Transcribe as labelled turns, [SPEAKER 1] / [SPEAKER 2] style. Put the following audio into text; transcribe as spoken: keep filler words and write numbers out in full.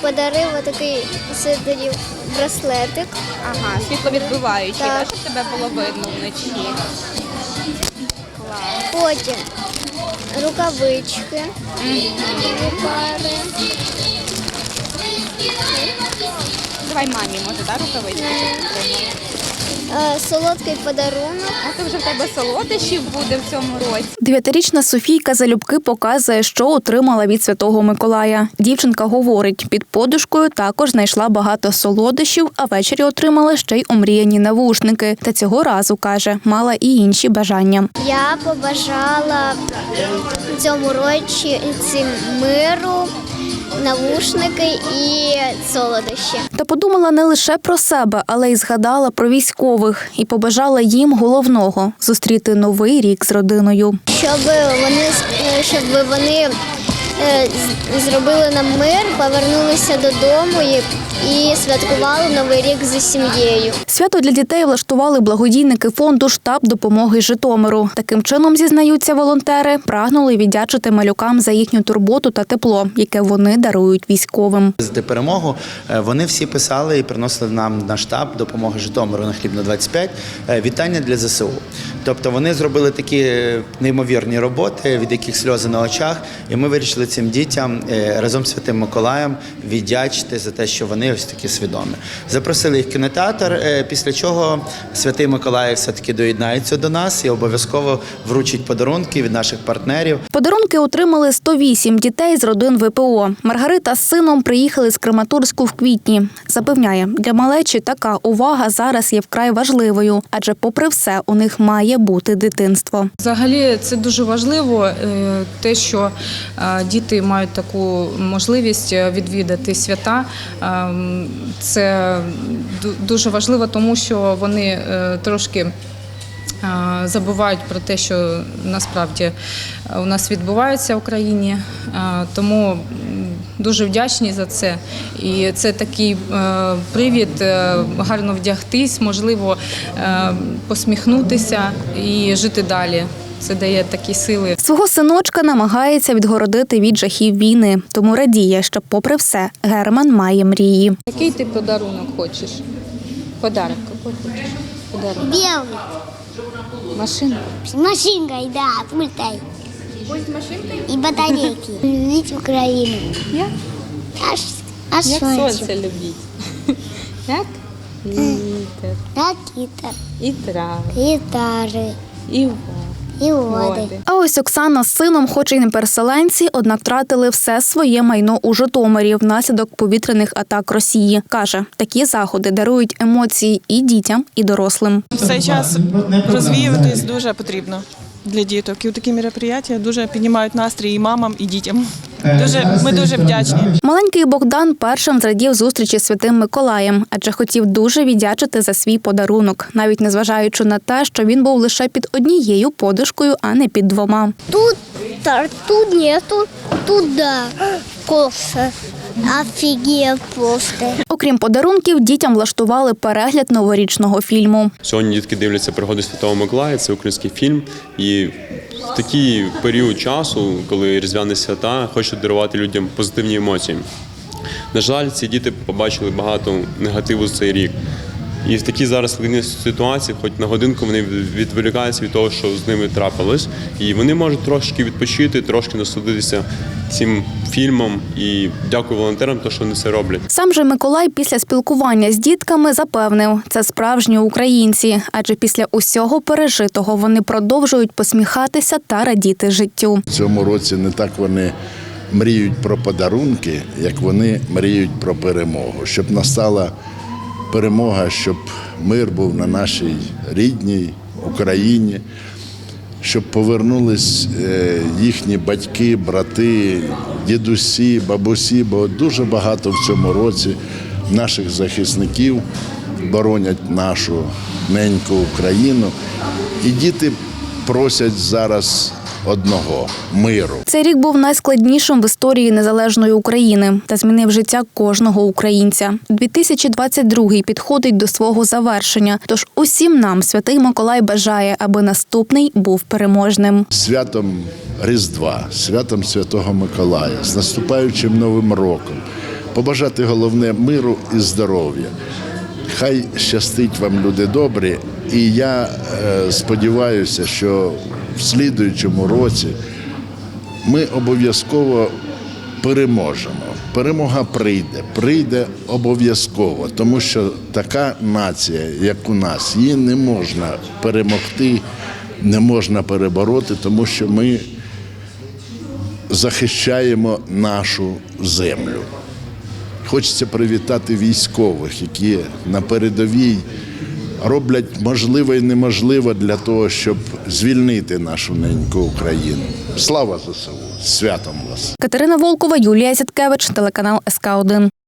[SPEAKER 1] подарив отакий сидорів браслетик.
[SPEAKER 2] Ага, світловідбиваючий,
[SPEAKER 1] Так.
[SPEAKER 2] так, щоб тебе було видно вночі. Клас.
[SPEAKER 1] Потім рукавички, дві пари.
[SPEAKER 2] Давай мамі, може, так, рукавички?
[SPEAKER 1] Е, Солодкий подарунок.
[SPEAKER 2] А це вже в тебе солодощів буде в цьому році.
[SPEAKER 3] Дев'ятирічна Софійка залюбки показує, що отримала від Святого Миколая. Дівчинка говорить, під подушкою також знайшла багато солодощів, а ввечері отримала ще й омріяні навушники. Та цього разу, каже, мала і інші бажання.
[SPEAKER 1] Я побажала в цьому році цим миру, навушники і солодощі.
[SPEAKER 3] Та подумала не лише про себе, але й згадала про військових і побажала їм головного – зустріти новий рік з родиною.
[SPEAKER 1] Щоб вони, щоб вони е, з- зробили нам мир, повернулися додому і, і святкували Новий рік зі сім'єю.
[SPEAKER 3] Свято для дітей влаштували благодійники фонду «Штаб допомоги Житомиру». Таким чином, зізнаються волонтери, прагнули віддячити малюкам за їхню турботу та тепло, яке вони дарують військовим.
[SPEAKER 4] За перемогу вони всі писали і приносили нам на штаб допомоги Житомиру на Хлібна двадцять п'ять вітання для зе се у. Тобто вони зробили такі неймовірні роботи, від яких сльози на очах, і ми вирішили цим дітям разом з Святим Миколаєм віддячити за те, що вони ось такі свідомі. Запросили їх в кінотеатр, після чого Святий Миколай все-таки доєднається до нас і обов'язково вручить подарунки від наших партнерів.
[SPEAKER 3] Подарунки отримали сто вісім дітей з родин ве пе о. Маргарита з сином приїхали з Краматорську в квітні. Запевняє, для малечі така увага зараз є вкрай важливою, адже попри все у них має бути дитинство.
[SPEAKER 5] Взагалі це дуже важливо, е, те, що е, діти мають таку можливість відвідати свята. Е, Це ду- дуже важливо, тому що вони е, трошки е, забувають про те, що насправді у нас відбувається в Україні. Е, Тому м, дуже вдячні за це. І це такий е, привід е, гарно вдягтись, можливо, е, посміхнутися і жити далі. Це дає такі сили.
[SPEAKER 3] Свого синочка намагається відгородити від жахів війни, тому радіє, що попри все Герман має мрії.
[SPEAKER 2] Який ти подарунок хочеш? Подарок, який хочеш? Подарунок.
[SPEAKER 1] Білий.
[SPEAKER 2] Машину?
[SPEAKER 1] З машинкою, да, пультай.
[SPEAKER 2] Пульт з машинкою?
[SPEAKER 1] І батарейки. Любіть Україну.
[SPEAKER 2] Як?
[SPEAKER 1] Аж, аж
[SPEAKER 2] Як
[SPEAKER 1] сонце.
[SPEAKER 2] сонце любіть. Як? Вітер,
[SPEAKER 1] Ракіта,
[SPEAKER 2] і трави,
[SPEAKER 1] гітари,
[SPEAKER 2] і води.
[SPEAKER 1] і води.
[SPEAKER 2] води.
[SPEAKER 3] А ось Оксана з сином, хоч і не переселенці, однак втратили все своє майно у Житомирі внаслідок повітряних атак Росії. Каже, такі заходи дарують емоції і дітям, і дорослим.
[SPEAKER 6] В цей час розвіюватись дуже потрібно для діток. І такі мероприятия дуже піднімають настрій і мамам, і дітям. Дуже, ми дуже вдячні.
[SPEAKER 3] Маленький Богдан першим зрадів зустрічі з Святим Миколаєм, адже хотів дуже віддячити за свій подарунок, навіть незважаючи на те, що він був лише під однією подушкою, а не під двома.
[SPEAKER 1] Тут, та, тут нету, тут да, коса. Офігеть просто.
[SPEAKER 3] Окрім подарунків, дітям влаштували перегляд новорічного фільму.
[SPEAKER 7] Сьогодні дітки дивляться «Пригоди Святого Миколая», це український фільм. І в такий період часу, коли різдвяні свята, хочуть дарувати людям позитивні емоції. На жаль, ці діти побачили багато негативу за цей рік. І в такій зараз складній ситуації, хоч на годинку вони відволікаються від того, що з ними трапилось. І вони можуть трошки відпочити, трошки насолодитися цим фільмом. І дякую волонтерам, що вони це роблять.
[SPEAKER 3] Сам же Миколай після спілкування з дітками запевнив, це справжні українці, адже після усього пережитого вони продовжують посміхатися та радіти життю.
[SPEAKER 8] В цьому році не так вони мріють про подарунки, як вони мріють про перемогу. Щоб настала перемога, щоб мир був на нашій рідній Україні, щоб повернулись їхні батьки, брати, дідусі, бабусі, бо дуже багато в цьому році наших захисників боронять нашу неньку Україну. І діти просять зараз одного – миру.
[SPEAKER 3] Цей рік був найскладнішим в історії незалежної України та змінив життя кожного українця. дві тисячі двадцять другий підходить до свого завершення, тож усім нам Святий Миколай бажає, аби наступний був переможним.
[SPEAKER 8] Святом Різдва, святом Святого Миколая, з наступаючим Новим роком. побажати головне миру і здоров'я. Хай щастить вам, люди добрі, і я е, сподіваюся, що в слідуючому році ми обов'язково переможемо. Перемога прийде, прийде обов'язково, тому що така нація, як у нас, її не можна перемогти, не можна перебороти, тому що ми захищаємо нашу землю. Хочеться привітати військових, які на передовій роблять можливе і неможливе для того, щоб звільнити нашу неньку Україну. Слава ЗСУ! З святом вас!
[SPEAKER 3] Катерина Волкова, Юлія Зяткевич, телеканал ес ка один.